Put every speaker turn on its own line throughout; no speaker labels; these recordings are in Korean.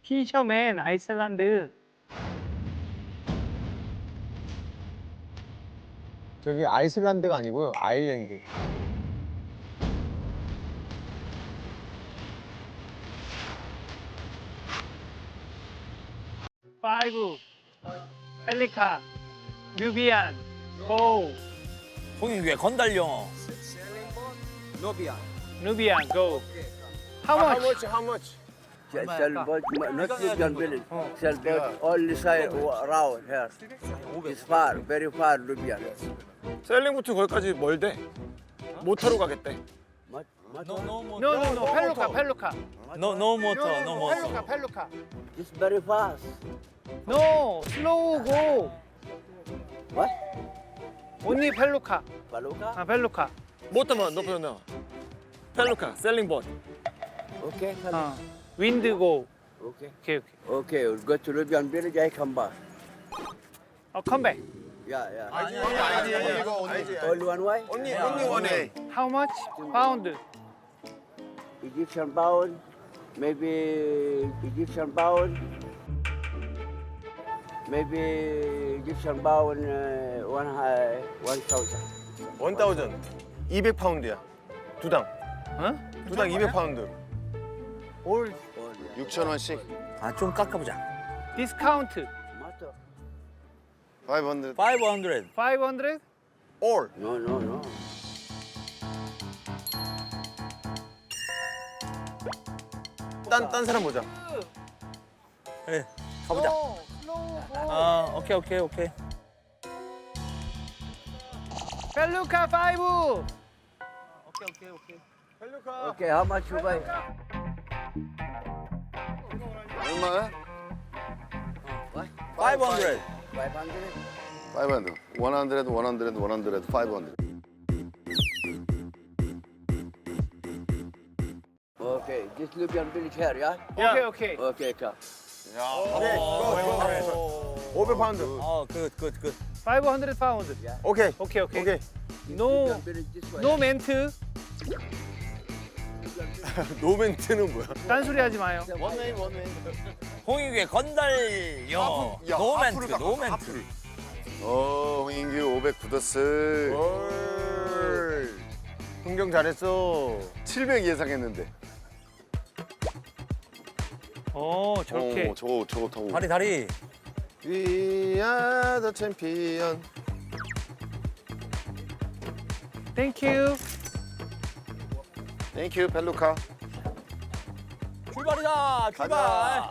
피셔맨 아이슬란드.
저기 아이슬란드가 아니고요, 아일랜드.
파이브 펠리카 뉴비안 고
홍익규의 건달령.
누비안 고 How much?
How much?
Sailboat, not Libyan village. Sailboat, only side around here. It's far, very far, Libyan.
셀링부터 거기까지 멀대. 모터로 가겠대.
노노노 펠루카 펠루카
노 모터, 노
펠루카
모터.
펠루카
It's very fast.
노 슬로우 고
What?
온리 펠루카
Baluka?
아 펠루카
모터만 높여놔. 펠루카, 셀링봇.
Okay,
어 윈드 고
okay.
오케이 오케이
Okay, we'll go to Libyan village, I come back.
컴백
Yeah, yeah.
아니, 이거
Only one way?
only one way.
How much? 파운드
Egyptian pound, maybe Egyptian pound, maybe Egyptian pound 1,000.
1,000. 200파운드야. 두당.
어?
두당 200파운드.
올
6,000원씩.
아, 좀 깎아보자.
디스카운트
Matter?
500.
500.
500?
all.
No, no, no.
딴 사람 보자.
그래, 가보자.
슬로우 고
아, 오케이.
펠루카 5
펠루카.
Okay, how much you buy?
얼마야?
500.
500?
500. 500.
Okay, this Libyan village here, yeah?
오케이 오케이
Okay, come.
오케이. 500파운드.
어, 굿.
500 파운드
오케이.
오케이 오케이
오케이.
노
Libyan village this way.
노 멘트
노멘트는 뭐야?
딴소리 하지 마요
홍익규의 건달령. 노멘트.
홍인규 500 굳었을.
올. 흥경 잘했어.
700 예상했는데.
저렇게
저거 타고.
다리.
We are the champion.
땡큐
땡큐 펠루카.
출발이다. 출발.
가자.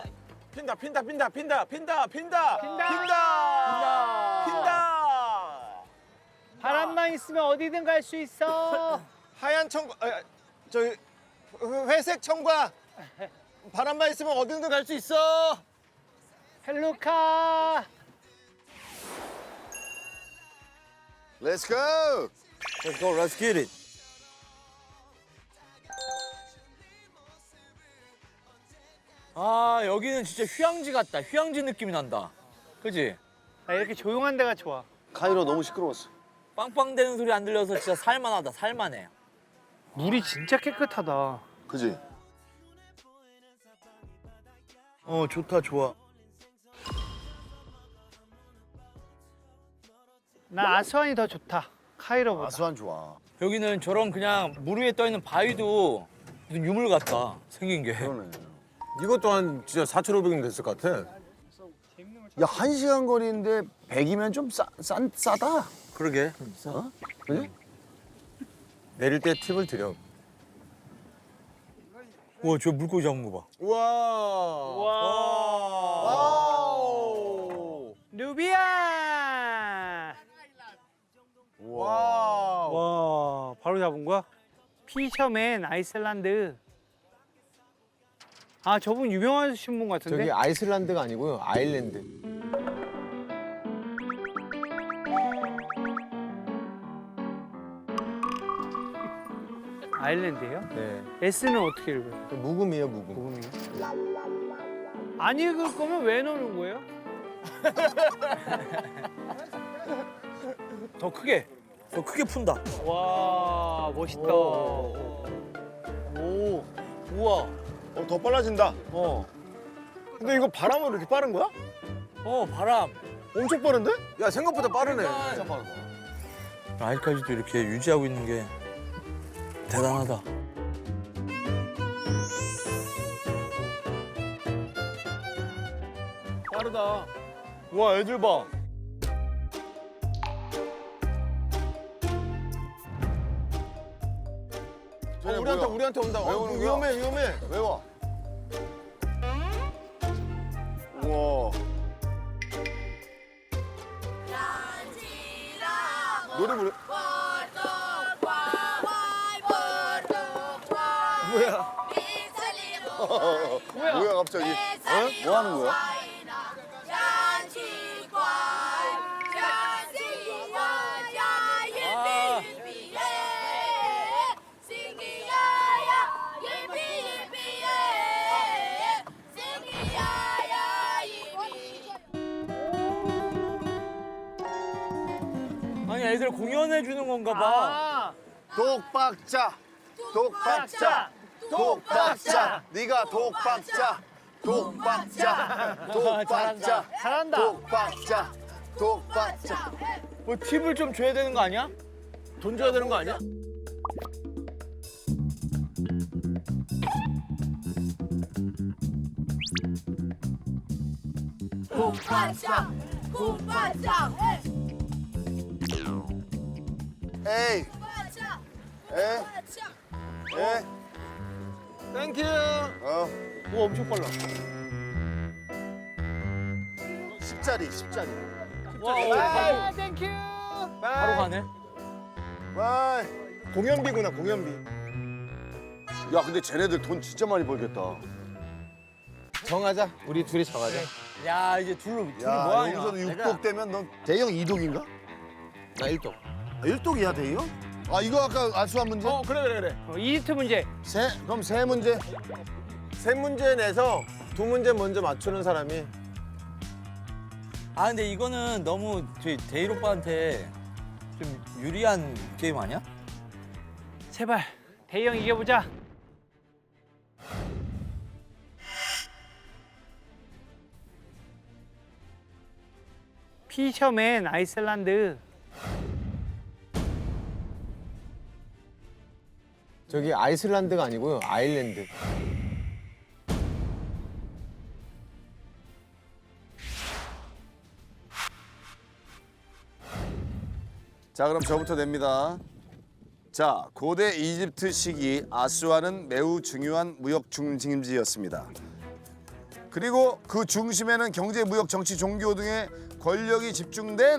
핀다.
바람만 있으면 어디든 갈 수 있어
하얀 청과, 저기 회색 청과 바람만 있으면 어디든 갈 수 있어.
펠루카
Let's go.
Let's go. Let's get it. 아, 여기는 진짜 휴양지 같다. 휴양지 느낌이 난다. 그지?
나 이렇게 조용한 데가 좋아
카이로 너무 시끄러웠어.
빵빵대는 소리 안 들려서 진짜 살만하다. 살만해.
물이 진짜 깨끗하다
그지?
좋다. 좋아.
나 아스완이 더 좋다 카이로보다
아스완 좋아.
여기는 저런 그냥 물 위에 떠 있는 바위도 무슨 유물 같다. 생긴 게.
그러네.
이것 또한 진짜 4,500원 됐을 것 같아.
야, 1시간 거리인데 100이면 좀 싸다.
그러게.
그지?
내릴 때 팁을 드려.
우와, 저 물고기 잡은 거 봐.
우와.
와우 누비아
와.
와 바로 잡은 거야? 피셔맨 아이슬란드 아 저분 유명하신 분 같은데?
저기 아이슬란드가 아니고요, 아일랜드.
아일랜드예요?
네.
S는 어떻게 읽어요?
묵음이에요, 묵음.
묵음이요? 안 읽을 거면 왜 넣는 거예요?
더 크게 푼다.
와 멋있다.
오, 우와.
더 빨라진다. 근데 이거 바람은 이렇게 빠른 거야?
바람.
엄청 빠른데?
야 생각보다 빠르네.
아직까지도 이렇게 유지하고 있는 게 대단하다.
빠르다.
와 애들 봐.
쟤네
우리한테
뭐야?
우리한테 온다.
왜 오는 거야?
위험해 위험해.
왜 와? 우와. 노래 부르.
뭐야?
뭐야 갑자기? 뭐 하는 거야?
아니 애들 공연해 주는 건가 봐.
독박자. 독박자. 독박자. 네가 독박자. 독박자. 독박자.
잘한다.
독박자. 독박자.
뭐 팁을 좀 줘야 되는 거 아니야?
돈 줘야 되는 거 아니야?
쿵파짱 쿵파짱
에이.
쿵파짱
에.
쿵파짱
에.
땡큐.
어.
오 엄청 빨라.
10짜리 10짜리.
와, 땡큐.
바로 가네.
바이.
공연비구나 공연비.
야 근데 쟤네들 돈 진짜 많이 벌겠다.
정하자. 우리 둘이 정하자.
야 이제 둘이
야
뭐하냐?
여기서도 6독 되면 넌 대형 2독인가?
나 1도.
1독이야 대형? 아 이거 아까 알수한 문제?
그래.
이집트 문제.
그럼 세 문제.
세 문제 내서 두 문제 먼저 맞추는 사람이
아 근데 이거는 너무 저희 대일 오빠한테 좀 유리한 게임 아니야?
제발 대형 이겨보자. 피셔맨 아이슬란드.
저기 아이슬란드가 아니고요. 아일랜드.
자 그럼 저부터 냅니다. 자 고대 이집트 시기 아수아는 매우 중요한 무역 중심지였습니다. 그리고 그 중심에는 경제, 무역, 정치, 종교 등의 권력이 집중된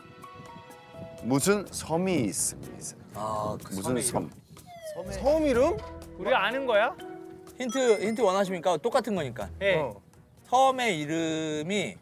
무슨 섬이 있습니다.
아그
무슨 섬?
섬 이름?
우리가 아는 거야?
힌트 원하십니까? 똑같은 거니까.
예.
섬의 이름이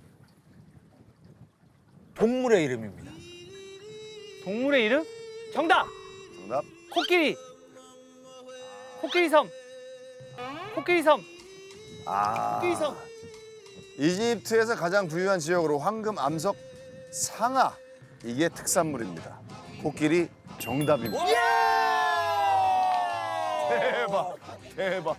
동물의 이름입니다.
동물의 이름? 정답.
정답.
코끼리. 코끼리 섬. 코끼리 섬.
아.
코끼리 섬.
이집트에서 가장 부유한 지역으로 황금, 암석, 상아 이게 특산물입니다. 코끼리 정답입니다. 대박.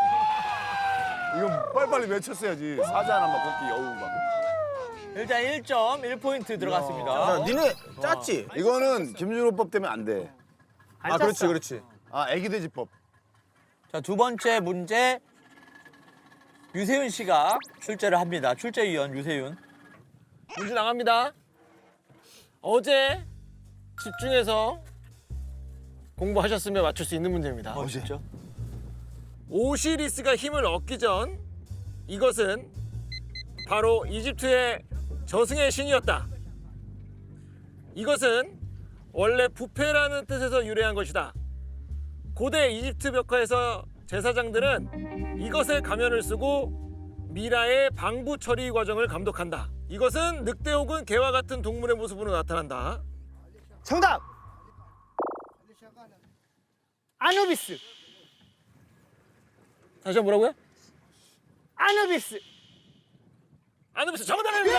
이거 빨리빨리 외쳤어야지. 사자 하나만 코끼리 어우 막.
일단 1점 1포인트 들어갔습니다.
니네 짰지?
이거는 김준호법 때문에 안 돼.
안
아
짰어.
그렇지 그렇지.
아 애기돼지법.
자, 두 번째 문제 유세윤 씨가 출제를 합니다. 출제위원 유세윤.
문제 나갑니다. 어제 집중해서 공부하셨으면 맞출 수 있는 문제입니다.
진짜?
오시리스가 힘을 얻기 전 이것은 바로 이집트의 저승의 신이었다. 이것은 원래 부패라는 뜻에서 유래한 것이다. 고대 이집트 벽화에서 제사장들은 이것의 가면을 쓰고 미라의 방부 처리 과정을 감독한다. 이것은 늑대 혹은 개와 같은 동물의 모습으로 나타난다.
정답. 아누비스.
다시 한번 뭐라고요?
아누비스.
아누비스 정답입니다.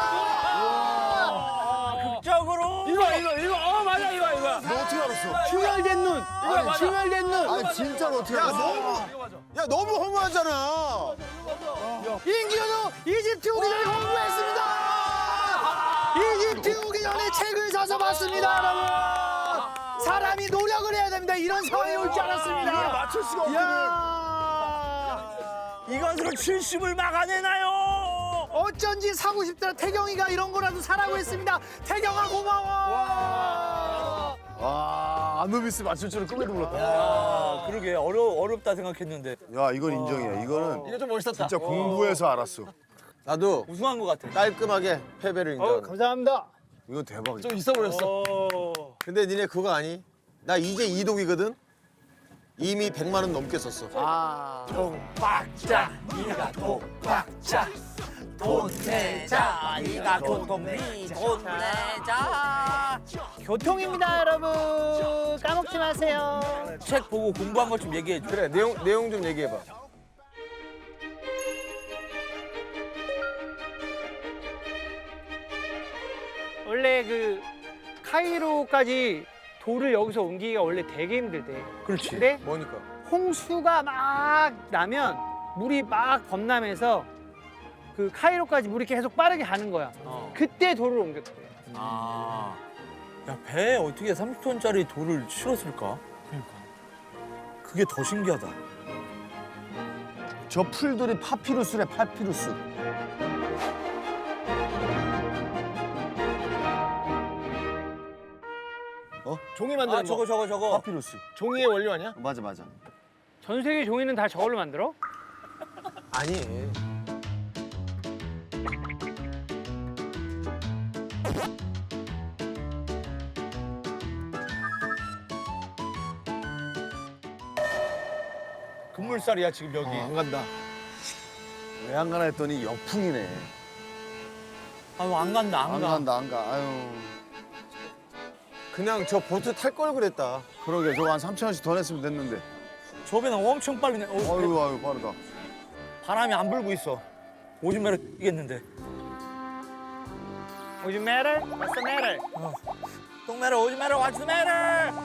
극적으로
이거 맞아 이거.
너 어떻게 알았어?
충혈된 눈.
맞아.
충혈된 눈.
아니 진짜로 어떻게 알았어?
야 너무 허무하잖아.
인기어도 이집트 오기 전에 공부했습니다. 이집트 오기 전에 책을 사서 봤습니다, 여러분. 사람이 노력을 해야 됩니다. 이런 상황이 올 줄 알았습니다.
맞출 수가 없거든.
이것으로 70을 막아내나요?
어쩐지 사고 싶더라. 태경이가 이런 거라도 사라고 했습니다. 태경아 고마워.
와, 아누비스 맞출 줄은 꿈에도 몰랐다.
아, 그러게 어렵다 생각했는데
야, 이건 인정이야. 이거는
이거 좀 멋있었다.
진짜 공부해서 알았어.
나도
우승한 것 같아.
깔끔하게 패배를 인정.
감사합니다.
이건 대박이다.
좀 있어 보였어.
근데 니네 그거 아니? 나 이제 이독이거든. 이미 100만 원 넘게 썼어.
박자, 네가 독박자. 돈 내자, 네가 교통비 돈 내자.
교통입니다, 여러분. 까먹지 마세요.
책 보고 공부한 것 좀 얘기해 줘.
그래 내용 좀 얘기해봐.
원래 그 카이로까지 돌을 여기서 옮기기가 원래 되게 힘들대.
그렇지.
근데
뭐니까?
홍수가 막 나면 물이 막 범람해서 그 카이로까지 물이 계속 빠르게 가는 거야. 그때 돌을 옮겼대.
아, 야, 배에 어떻게 30톤짜리 돌을 실었을까? 그러니까. 그게 더 신기하다.
저 풀들이 파피루스래, 파피루스.
종이 만드는
아,
거.
저거.
파피루스.
종이의 원료 아니야?
맞아, 맞아.
전 세계 종이는 다 저걸로 만들어?
아니.
금물살이야 지금 여기.
안 간다.
왜 안 가나 했더니 역풍이네.
아유, 안 간다, 안
안
가.
간다, 안 가. 아유.
그냥 저 보트 탈 걸 그랬다.
그러게, 저거 한 3,000원씩 더 냈으면 됐는데.
저 배는 엄청 빨리 내.
아유, 빠르다.
바람이 안 불고 있어. 오줌 매러 뛰겠는데.
Would you matter? What's the matter?
똥 매러, 오줌 매러, 왓츠 매러.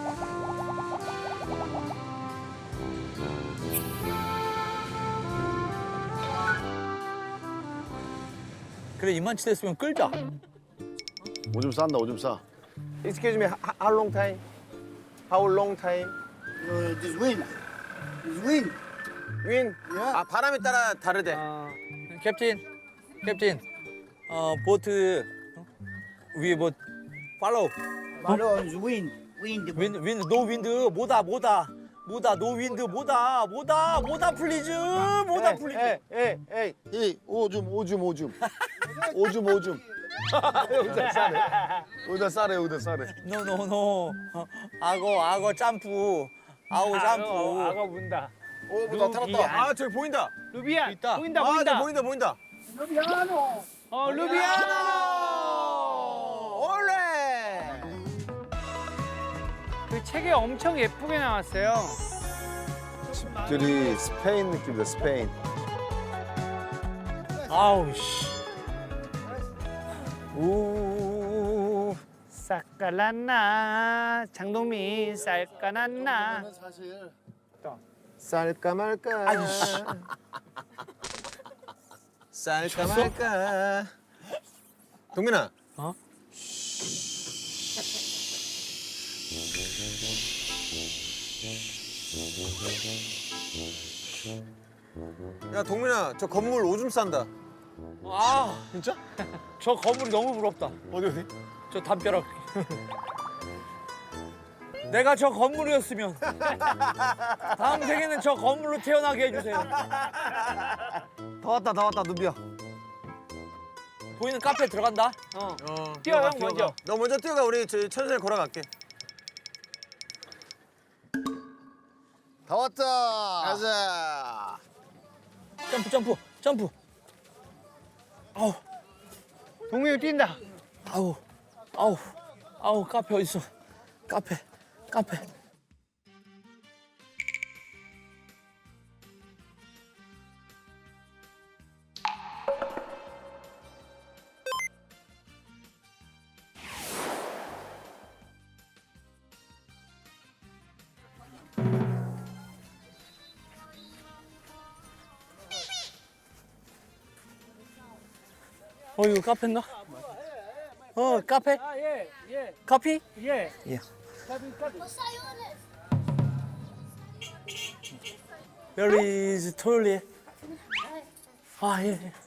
그래, 이만치 됐으면 끌자.
오줌 싼다, 오줌 싸.
Excuse me, how long time? How long time?
This wind. This wind.
윈? 아 바람에 따라 다르대.
캡틴, 보트 위에 뭐 팔로우.
Follow the wind. Wind.
윈드, 노 윈드, 뭐다, 노 윈드, 뭐다, 플리즈, 플리즈.
에이.
이 오줌. 여기다 싸래. 여기다 싸래.
노. 악어 점프.
악어 문다.
오, 나타났다. 아, 저기 보인다.
루비안.
있다.
보인다.
아, 저기 보인다.
루비아노.
올레.
그 책에 엄청 예쁘게 나왔어요.
들이 스페인 느낌이다, 스페인.
아우 씨.
오. 싹깔났나 장동민 쌀까났나.
쌀까 말까.
아이씨.
쌀까 말까. 동민아.
어?
야, 동민아, 저 건물 오줌 싼다.
아,
진짜?
저 건물이 너무 부럽다.
어디?
저 담벼락. 내가 저 건물이었으면 다음 생에는 저 건물로 태어나게 해주세요.
다 왔다, 누비야.
보이는 카페 들어간다.
뛰어 형 먼저.
너 먼저 뛰어가. 우리 저희 천천히 걸어갈게.
다 왔다. 가자.
점프.
동민이 뛴다.
아우 카페 어딨어? 카페. 이거 카페인가? 카페? 커피?
예.
Where is toilet? 예.